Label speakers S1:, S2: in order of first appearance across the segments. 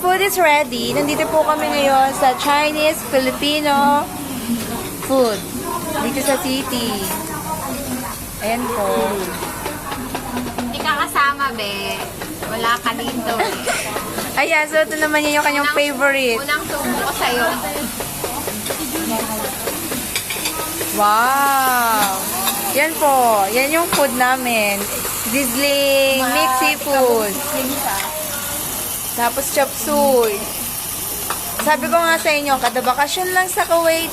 S1: food is ready. Nandito po kami ngayon sa Chinese Filipino food. Dito sa city. Ayan po.
S2: Hindi ka kasama, be. Wala ka dito, eh.
S1: Ayan, so ito naman yung kanyang favorite.
S2: Unang subo ko sa'yo.
S1: Wow! Yan po. Yan yung food namin. Sizzling, mixed seafood. Tapos chop suey. Sabi ko nga sa inyo, kada bakasyon lang sa Kuwait.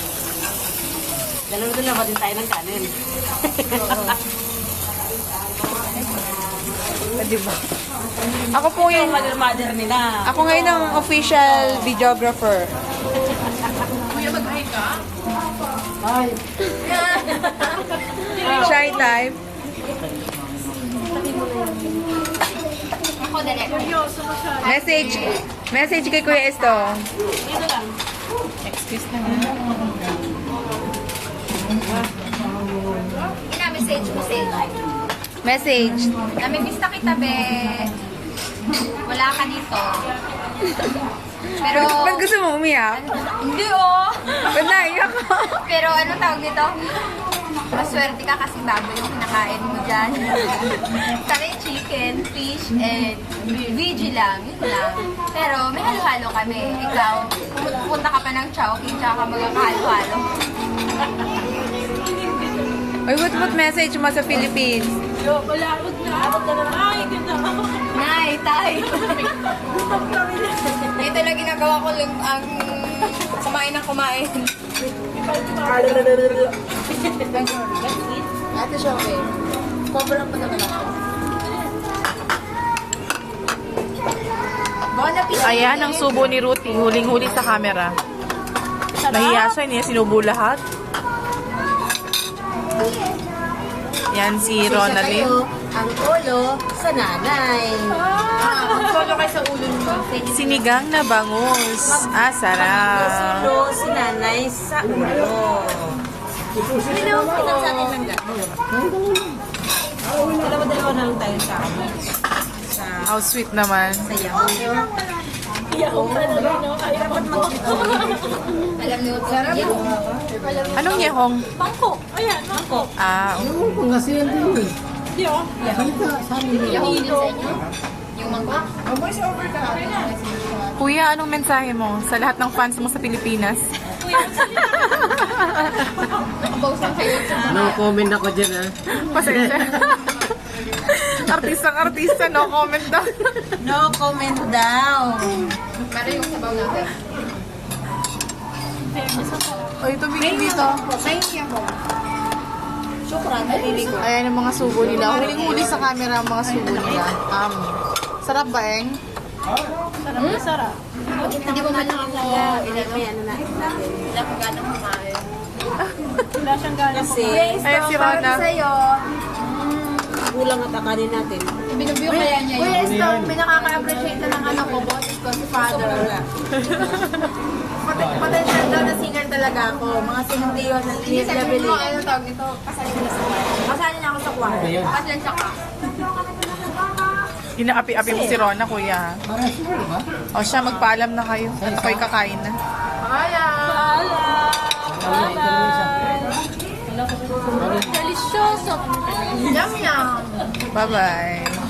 S3: Dalawa din tayo ng kanin.
S1: Diba? Ako po yung...
S3: Mother nila.
S1: Ako ngayon ang official videographer.
S2: Kuya, mag-hi ka?
S3: Ay.
S1: Shy type.
S2: Ako, direct.
S1: Message kay Kuya Esto.
S3: Dito lang.
S1: Excuse na nga.
S2: Ina-message mo sa'yo.
S1: Message.
S2: Namimiss na kita, be. Wala ka dito. Pero...
S1: Ba't gusto mo umiyak?
S2: Hindi, oh.
S1: Ba't naiyak ko?
S2: Pero ano tawag nito? Maswerte ka kasi baboy yung kinakain mo dyan. Kami chicken, fish, and veggie lang. Yun lang. Pero may halo-halo kami. Ikaw, pupunta ka pa ng Chowking, tsaka ka magkakahalo-halo.
S1: Uy, what message mo sa Philippines?
S3: Malapot na. Abot ka na. Ay, ganda.
S2: Nay, tay. Ito lang ginagawa ko lang ang kumain ng kumain. Ate siya, okay. Cover up pa naman ako.
S4: Ayan ang subo ni Ruthie. Huling-huli sa camera. Nahiya siya, hindi niya sinubo lahat. Yan si Ronaldin.
S3: Ang ulo sa nanay.
S2: Ang solo kayo sa ulo mo.
S4: Sinigang na bangus. Ah, sarap.
S3: Ulo si nanay sa ulo. Pinag sa atin lang gano'n. Dalawa-dalawa na lang tayo sa
S4: How sweet naman.
S3: yaw.
S2: Alam niyo, sarap.
S4: Anong yehong?
S3: Mangkok. Ayan, mangkok.
S4: Ah,
S2: Yung din sa inyo. Yung mangkok.
S4: kuya, anong mensahe mo sa lahat ng fans mo sa Pilipinas?
S2: Pausang kayo.
S5: No comment ako dyan, ha?
S4: Pasensya. Artistang-artista, no comment daw.
S3: No comment daw.
S2: Para yung sabaw natin.
S4: Oy, tumingin dito.
S2: Shukran, nalili ko.
S4: Ayan ang mga subo nila. Huling-huli sa camera ang mga subo nila. Sarap ba, Eng?
S3: Sarap.
S2: Hindi mo man lang ako
S3: May ano na natin.
S2: wala ko ganang kumain.
S3: Wala siyang gana
S2: Kasi,
S4: Ayan si Rona.
S2: sa'yo.
S3: Kulang at akanin natin.
S2: Binubiyo kaya niya yun. Kuya Estong, may nakaka-appreciate na ng ano ko, boses ko, si Father.
S1: Potential daw na singer talaga ako. Mga sinundiyo na
S2: Hindi sa mo, ano tawag nito? Pasalin na sa kwarto.
S1: Kasali na ako sa kwarto.
S2: Pasalin siya ka.
S4: Inaapi-api mo si Rona, kuya. O siya, magpaalam na kayo. Ako'y kakain na.
S2: Delicioso. Yum yum.
S4: Bye-bye.